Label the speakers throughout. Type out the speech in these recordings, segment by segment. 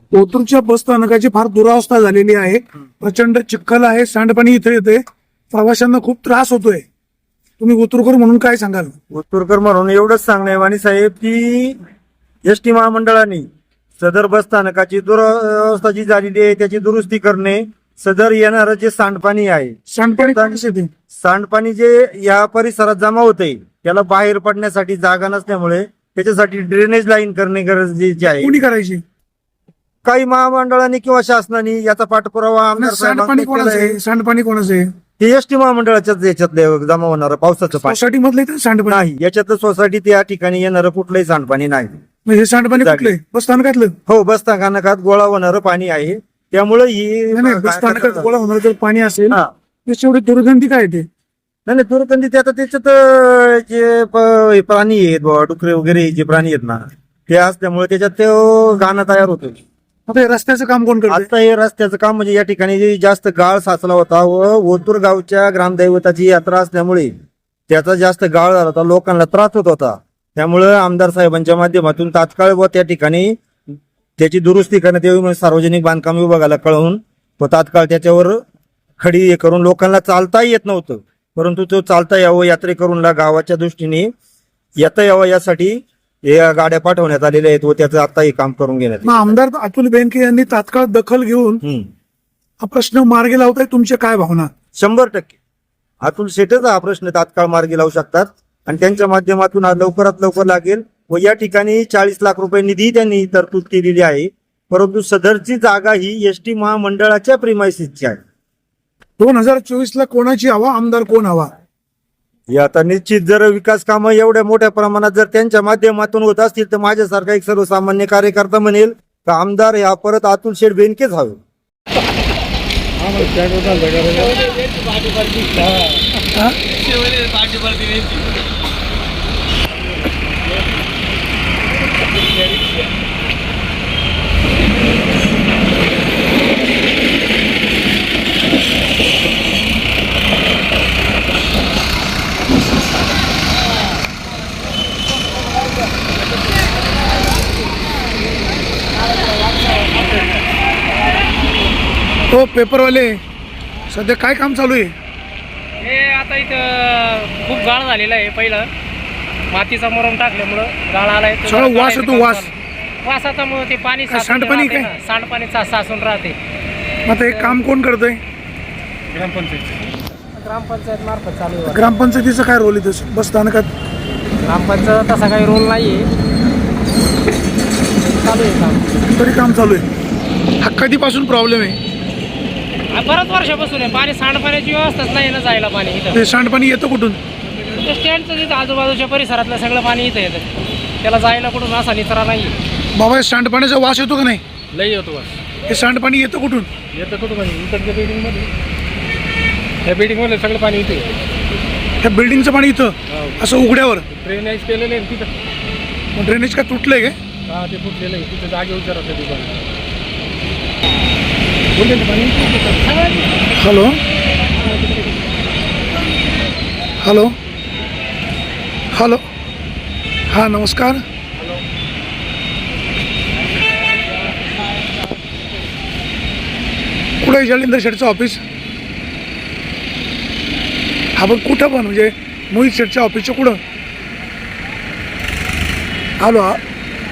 Speaker 1: ओतूरच्या बस स्थानकाची फार दुरावस्था झालेली आहे. प्रचंड चिखल आहे, सांडपाणी इथे येते, प्रवाशांना खूप त्रास होतोय. तुम्ही ओतूरकर म्हणून काय सांगाल?
Speaker 2: ओतूरकर म्हणून एवढंच सांगणे वाणी साहेब की एसटी महामंडळाने सदर बस स्थानकाची दुरावस्था जी झालेली आहे त्याची दुरुस्ती करणे, सदर येणारं जे सांडपाणी आहे, सांडपाणी जे या परिसरात जमा होते त्याला बाहेर पडण्यासाठी जागा नसल्यामुळे त्याच्यासाठी ड्रेनेज लाईन करणे गरजेचे आहे.
Speaker 1: कोणी करायची?
Speaker 2: काही महामंडळाने किंवा शासनाने याचा पाठपुरावा आमदार
Speaker 1: सांडपाणी कोणाचं आहे? सांडपाणी कोणाचं आहे?
Speaker 2: हे एसटी महामंडळाच्याच याच्यातले जमा होणारं पावसाचं पाणी
Speaker 1: सोसायटी मधलं सांडपाणी
Speaker 2: नाही. याच्यातलं सोसायटीत या ठिकाणी येणारं कुठलंही सांडपाणी नाही.
Speaker 1: हे सांडपाणी कुठलंय? बस स्थानकातलं?
Speaker 2: हो, बस स्थानकात गोळा होणारं पाणी आहे. त्यामुळे ही
Speaker 1: बस स्थानकात गोळा होणार जर पाणी असेल
Speaker 2: हा.
Speaker 1: त्याची एवढी दुर्गंधी काय ते?
Speaker 2: नाही दुर्गंधी आता त्याच्यात जे प्राणी आहेत डुकरे वगैरे जे प्राणी आहेत ना ते असल्यामुळे त्याच्यात ते गाणं तयार होतो.
Speaker 1: आता हे रस्त्याचं काम कोण करतं?
Speaker 2: आता हे रस्त्याचं काम म्हणजे या ठिकाणी जे जास्त गाळ साचला होता व ओतूर गावच्या ग्रामदैवताची यात्रा असल्यामुळे त्याचा जास्त गाळ झाला होता, लोकांना त्रास होत होता. त्यामुळे आमदार साहेबांच्या माध्यमातून तात्काळ व त्या ठिकाणी त्याची दुरुस्ती करण्यात यावी म्हणून सार्वजनिक बांधकाम विभागाला कळवून व तात्काळ त्याच्यावर खडी हे करून लोकांना चालता येत नव्हतं, परंतु तो चालता यावं यात्रेकरूंना गावाच्या दृष्टीने येता यावं यासाठी या गाड्या पाठवण्यात आलेल्या आहेत व त्याचं आता हे काम करून घेण्यात
Speaker 1: मग आमदार अतुल बेनके यांनी तात्काळ दखल घेऊन हा प्रश्न मार्गी लावताय. तुमच्या काय भावना?
Speaker 2: 100% अतुल शेठच हा प्रश्न तात्काळ मार्गी लावू शकतात आणि त्यांच्या माध्यमातून हा लवकरात लवकर लागेल. व या ठिकाणी 40 लाख रुपये निधी त्यांनी तरतूद केलेली आहे, परंतु सदरची जागा ही एसटी महामंडळाच्या प्रिमायसिसची आहे.
Speaker 1: 2024 कोणाची हवा? आमदार कोण हवा?
Speaker 2: हे आता निश्चित जर विकास कामं एवढ्या मोठ्या प्रमाणात जर त्यांच्या माध्यमातून होत असतील तर माझ्यासारखा एक सर्वसामान्य कार्यकर्ता म्हणेल का आमदार या परत अतुल शेठ बेनकेच हवे.
Speaker 1: हो, पेपरवाले सध्या काय काम चालू आहे?
Speaker 3: हे आता इथं खूप गाळ झालेला आहे. पहिलं मातीचा मुरम टाकल्यामुळं गाळ आलाय.
Speaker 1: सगळं वास येतो, वास.
Speaker 3: वासाचा मग ते पाणी
Speaker 1: सांडपाणी काय?
Speaker 3: सांडपाणी साचून राहते.
Speaker 1: आता हे काम कोण करतंय?
Speaker 3: ग्रामपंचायत मार्फत चालू आहे.
Speaker 1: ग्रामपंचायतीचा काय रोल इथं बस स्थानकात?
Speaker 3: ग्रामपंचायत तसा काही रोल नाहीये, चालू आहे काम.
Speaker 1: तरी काम चालू आहे. हा कधीपासून प्रॉब्लेम आहे?
Speaker 3: बऱ्याच वर्षापासून आहे. पाणी सांडपाण्याची व्यवस्थाच नाही ना जायला पाणी इथं.
Speaker 1: ते सांडपाणी येतं कुठून?
Speaker 3: ते स्टँडचं तिथं आजूबाजूच्या परिसरातलं सगळं पाणी इथं येतं. त्याला जायला कुठून असा निचरा नाही.
Speaker 1: बाबा हे सांडपाण्याचा वास येतो का नाही?
Speaker 3: लई येतो बस.
Speaker 1: हे सांडपाणी येतं कुठून?
Speaker 3: येतं कुठं म्हणजे इकडच्या बिल्डिंगमध्ये, त्या बिल्डिंगमध्ये सगळं पाणी इथे.
Speaker 1: त्या बिल्डिंगचं पाणी इथं असं उघड्यावर
Speaker 3: ड्रेनेज केलेलं आहे तिथं.
Speaker 1: ड्रेनेज का तुटलंय काय?
Speaker 3: हा, ते फुटलेलं आहे तिथं. जागे विचारायचं ते पाणी.
Speaker 1: हॅलो हॅलो हॅलो हा, नमस्कार. कुठं आहे जालिंदर शेठचं ऑफिस? हा, पण कुठं पण म्हणजे मोहित शेठच्या ऑफिसच्या कुठं? हॅलो हा,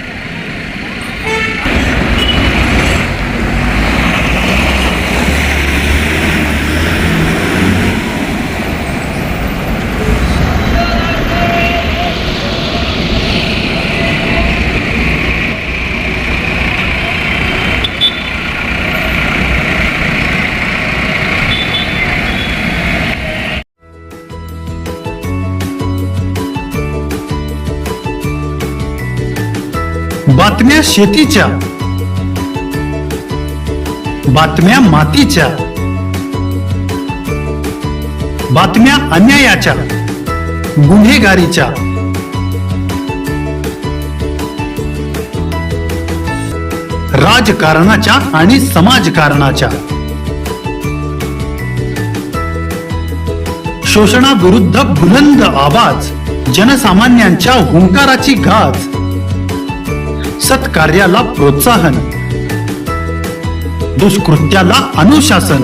Speaker 4: बातम्या शेतीच्या, बातम्या मातीच्या, बातम्या अन्यायाच्या, गुन्हेगारीच्या, राजकारणाच्या आणि समाजकारणाच्या, शोषणाविरुद्ध बुलंद आवाज, जनसामान्यांच्या हुंकाराची गाज, सत्कार्याला प्रोत्साहन, दुष्कृत्याला अनुशासन.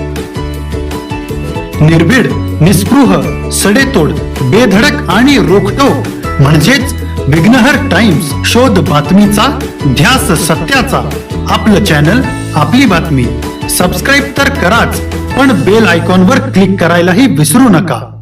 Speaker 4: निर्भीड, निस्पृह, सडेतोड, बेधडक आणि रोखटोक म्हणजेच विघ्नहर टाइम्स. शोध बातमीचा, ध्यास सत्याचा. आपलं चॅनल, आपली बातमी. सबस्क्राईब तर कराच, पण बेल आयकॉनवर क्लिक करायलाही विसरू नका.